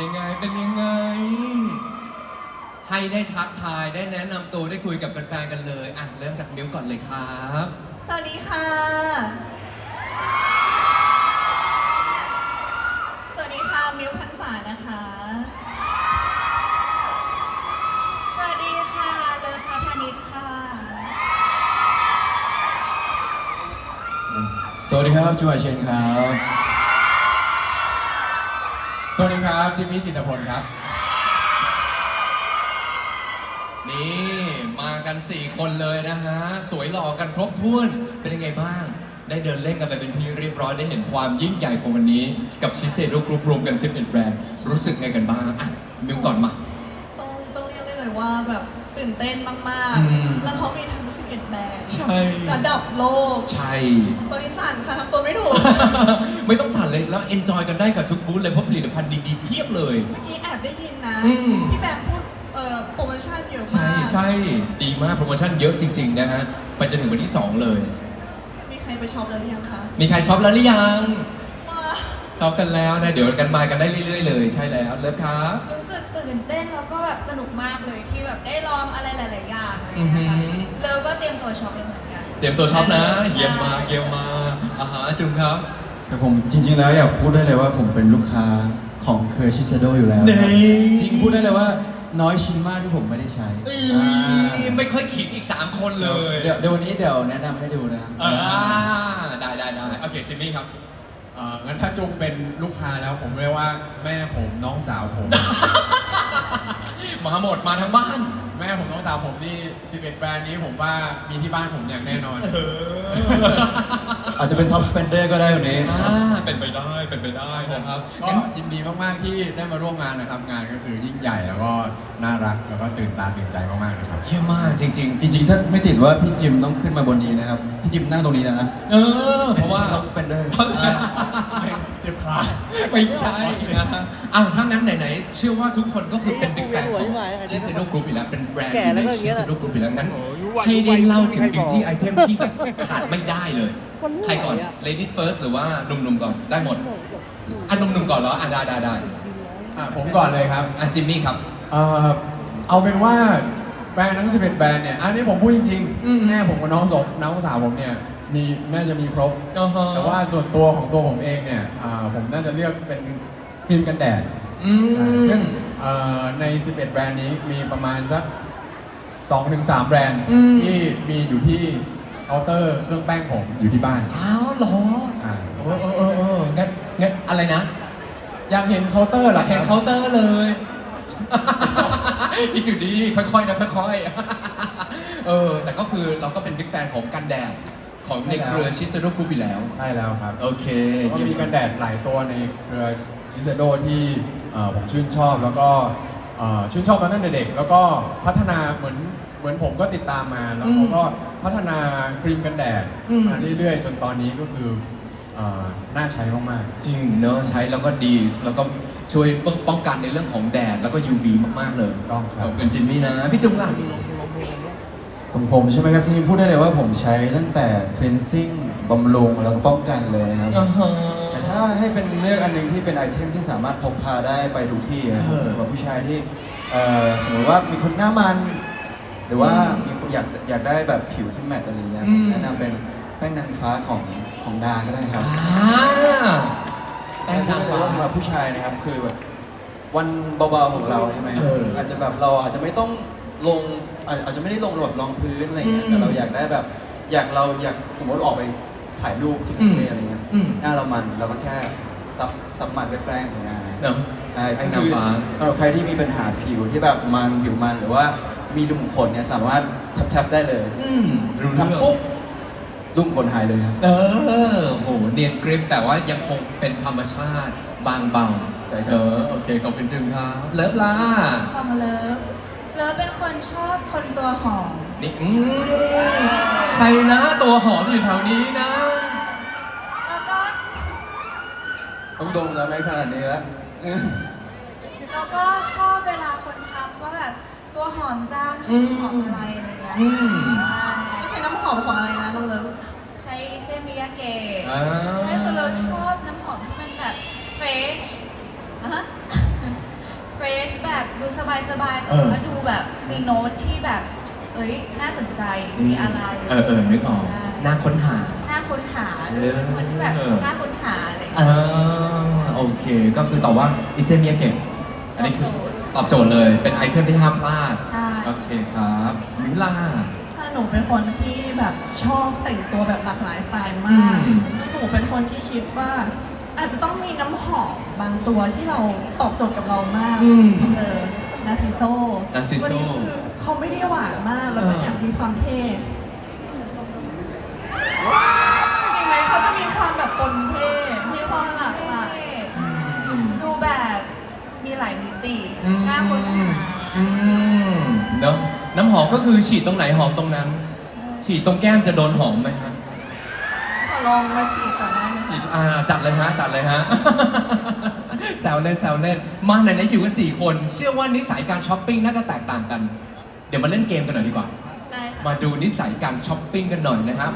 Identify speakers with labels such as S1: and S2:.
S1: ยังไงเป็นยังไง ให้ได้ทักทายได้แนะนำตัวได้คุยกับแฟนๆกันเลยอ่ะเริ่มจากมิ้วก่อนเลยครับ
S2: สวัสดีค่ะ สวัสดีค่ะ มิวพันษานะคะ สวัสดีค่ะ เลิฟพัฒนิชค่ะ
S3: สวัสดีครับจูอาเชนครับ
S4: สวัสดีครับจิมมี่จิตรพลครับ
S1: นี่มากัน4คนเลยนะฮะสวยหล่อกันครบถ้วนเป็นยังไงบ้าง ได้เดินเล่นกันไปเป็นที่เรียบร้อยได้เห็นความยิ่งใหญ่ของวันนี้กับชิเซโร่กรุ๊ปรวมกัน11แบรนด์รู้สึกไงกันบ้างอ่ะมิวก่อนมา
S2: ต้องเรียกได้เลยว่าแบบตื่นเต้นมาก
S1: อืม
S2: ๆ แล้วเขามีทั้ง11แบรนด์
S1: ใช่
S2: ระดับโลก
S1: ใช่
S2: ตัวที่สั่นค่ะทำตัวไม่ถูก
S1: ไม่ต้องสั่นเลยแล้วเอนจอยกันได้กับทุกบูธเลยเพราะผลิตภัณฑ์ดีๆเพียบเลย
S2: เมื่อกี้แอบได้ยินนะ
S1: อืม
S2: พี่แบมพูดโปรโมชั่นเยอะ
S1: ใช่
S2: มาก
S1: ใช่ดีมากโปรโมชั่นเยอะจริงๆนะฮะไปจนถึงวันที่ 2 เลย
S2: มีใครไปช็อปแล้วหรือยังคะ
S1: มีใครช็อปแล้วหรือยัง
S2: ว้า
S1: ช็อปกันแล้วนะเดี๋ยวกันมากันได้เรื่อยๆเลยใช่แล้วเลิฟครับ
S5: รู้สึกตื่นเต้นแล้วก็แบบสนุกมากเลยที่แบบได้ลองอะไรหลาย ๆ อย่างอะไร
S1: อือ
S5: เงี้
S1: หื
S5: ยค่ะ
S1: อ
S5: แล้วก็เตรียมตัวช็อปเลยเหมือนกัน
S1: เตรียมตัวช็อปนะเยี่ยมมากเยี่ยมมากอาหารจุงครับ
S3: แต่ผมจริงๆแล้วอยากพูดได้เลยว่าผมเป็นลูกค้าของเคอร์ชิเซโดอยู่แล้วครับ
S1: นี่
S3: จริงพูดได้เลยว่าน้อยชิ้นมากที่ผมไม่ได้ใช้
S1: ไม่ค่อยขิงอีก 3 คนเลย
S3: เดี๋ยววันนี้เดี๋ยวแนะนำให้ดูนะครับ
S1: ได้โอเคจิมมี่ครับ
S4: งั้นถ้าจุงเป็นลูกค้าแล้วผมเรียกว่าแม่ผมน้องสาวผม
S1: มาหมดมาทั้งบ้าน
S4: แม่ผมน้องสาวผมนี่11แบรนด์นี้ผมว่ามีที่บ้านผมอย่างแน่นอน
S3: อาจจะเป็นท็อปสเปนเดอร์ก็ได้วันนี้
S1: เป็นไปได้นะครับ
S4: ก็ยินดีมากๆที่ได้มาร่วมงานนะครับ งานก็คือยิ่งใหญ่แล้วก็น่ารักแล้วก็ตื่นตาตื่นใจมากๆนะครับ
S1: เยี่ยมมากจริง
S3: จริงๆ ถ้าไม่ติดว่าพี่จิมต้องขึ้นมาบนนี้นะครับ พี่จิมนั่งตรงนี้นะ
S1: เพราะว่า
S3: ท็อปสเปนเดอร์
S4: เจ็บขา
S1: ไม่ใช่นะฮะอ้าวถ้างั้นไหนๆเชื่อว่าทุกคนก็คือเป็นบิ๊กแฟนของชิเซโร่กรุ๊ปอยู่แล้วเป็นแบรนด์อยู่ในชิเซโร่กรุ๊ปอยู่แล้วงั้นให้ได้เล่าถึง beauty item ที่แบบขาดไม่ได้เลย ใครก่อน ladies first หรือว่าหนุ่มๆก่อนได้หมดอ่ะหนุ่มๆก่อนเหรออ่ะได้
S4: ผมก่อนเลยครับ
S1: อ่ะจิมมี่ครับ
S4: เอาเป็นว่าแบรนด์ทั้ง11แบรนด์เนี่ย อันนี้ผมพูดจริง
S1: อืม
S4: ๆแม่ผมกับน้องสาวผมเนี่ยมีน่าจะมีครบ
S1: อ่าฮะ
S4: แต่ว่าส่วนตัวของตัวผมเองเนี่ยผมน่าจะเลือกเป็นครีมกันแดด
S1: อืม
S4: ซึ่งใน 11 แบรนด์นี้มีประมาณสัก 2-3 แบรนด์
S1: อืม
S4: ที่มีอยู่ที่เคาน์เตอร์เครื่องแป้งผมอยู่ที่บ้าน
S1: อ้าวเหรอ
S4: อ่า
S1: งั้นอะไรนะ
S4: อยากเห็นเคาน์เตอร์เหรอ
S1: เห็นเคาน์เตอร์เลย อีจุดดีค่อยๆนะค่อยๆ แต่ก็คือเราก็เป็นบิ๊กแฟนของกันแดดของในเครือชิเซโร่กรุ๊ปอยู่แล้ว
S4: ใช่แล้วครับ
S1: โอเค
S4: ก็มีกันแดดหลายตัวในเครือชิเซโดที่ผมชื่นชอบแล้วก็ชื่นชอบมาตั้งแต่เด็ก แล้วก็พัฒนาเหมือนผมก็ติดตามมาแล้วเขาก็พัฒนาครีมกันแดดมาเรื่อยๆ จนตอนนี้ก็คือน่าใช้มากๆ
S1: จริงเนอะใช้แล้วก็ดี แล้วก็ช่วยป้องกันในเรื่องของแดดแล้วก็ UV มากๆเลย
S4: ต้องครับ
S1: ขอบคุณจิมมี่นะ พี่จุงล่ะ
S3: ของผมใช่ไหมครับจริงๆพูดได้เลยว่าผมใช้ตั้งแต่ cleansing บำรุงแล้วก็ป้องกันเลยนะครับ แต่ถ้าให้เป็นเลือกอันหนึงที่เป็นไอเทมที่สามารถพกพาได้ไปทุกที่อะครับสำหรับผู้ชายที่สมมติว่ามีคนหน้ามัน หรือว่ามีคนอยากได้แบบผิวที่แมตต์อะไรอย่างเงี้ย
S1: อืม
S3: แนะนำเป็นแป้งนางฟ้าของดาก็ได้ครับ
S1: แป้งนางฟ้า
S3: สำหรับผู้ชายนะครับคือแบบวันเบาๆของเราใช่ไหม อาจจะแบบเราอาจจะไม่ต้องลงอาจจะไม่ได้ลงแบบรองพื้นอะไรเงี้ยแต่เราอยากได้แบบอยากสมมติออกไปถ่ายรูปที่คาเฟ่อะไรเงี้ย หน้าเรามันเราก็แค่ซับมันด้วยแป้งของงาน
S1: เนอะ
S3: ใช่
S1: แป้งนางฟ้า
S3: สำหรับใครที่มีปัญหาผิวที่แบบผิวมันหรือว่ามีรูขุมขนเนี่ยสามารถแทบได้เลย
S1: รู้เรื่อง
S3: ทำปุ๊บรูขุมขนหายเลยครับ
S1: โหเนียนกริปแต่ว่ายังคงเป็นธรรมชาติบางเบา
S3: ใช่ครับ
S1: โอเคขอบคุณจึงครับเลิฟล่า
S5: ของเลิฟเป็นคนชอบคนตัวหอม
S1: นี่ใครนะตัวหอมอยู่แถวนี้นะ
S5: แล้วก็
S3: ต้องดมแล้วไม่ขนาดนี้แล้ว
S5: แล้วก็ชอบเวลาคนทักว่าแบบตัวหอมจังใช้หอมอะไรอะไรเงี้ย
S2: ไม่ใช่น้ำหอมของอะไรนะน้องเลิฟ
S5: ใช้เซมิยาเกะ
S1: อ่า
S5: ไม่คือเราชอบน้ำหอมที่มันแบบเฟรชดูสบายๆแต่ว่าดูแบบมีโน้ตที่แบบเอ้ยน่าสนใจมีอะไร
S1: นึกออกน่าค้นหา
S5: น่าค้นหาคนที่แบบน่าค้นหาอะไรอย่าง
S1: เอ
S5: เงี้ย
S1: โอเค ก็คือตอบว่าอิเซเมียเก่งอันนี้คือตอบโจทย์เลยเป็นไอเทมที่ห้ามพลาด
S5: ใช่
S1: โอเคครับมิลา
S2: ถ้าหนูเป็นคนที่แบบชอบแต่งตัวแบบหลากหลายสไตล์มาก
S1: อืม
S2: หนูเป็นคนที่คิดว่า อาจจะต้องมีน้ำหอมบางตัวที่เราตอบโจทย์กับเรามากนาซิโซ
S1: Narciso
S2: วันนี้คือเขาไม่ได้หวานมากแล้วก็อยากมีความเท่จริงไหมเขาจะมีความแบบปนเท่มีความหลากหลาย
S5: ดูแบบมีหลายมิติน่าค้นหา
S1: เนอะน้ำหอมก็คือฉีดตรงไหนหอมตรงนั้น ฉีดตรงแก้มจะโดนหอมไหมฮะ
S2: ขอลองมาฉีดก่อนได้ไหม
S1: ฉี
S2: คะ
S1: ดจัดเลยฮะจัดเลยฮะ แซวเล่นแซวเล่นมาไหนๆอยู่กัน4 คนเชื่อว่านิสัยการช้อปปิ้งน่าจะแตกต่างกัน เดี๋ยวมาเล่นเกมกันหน่อยดีกว่า
S2: ได้ค่ะ
S1: มาดูนิสัยการช้อปปิ้งกันหน่อยนะครับ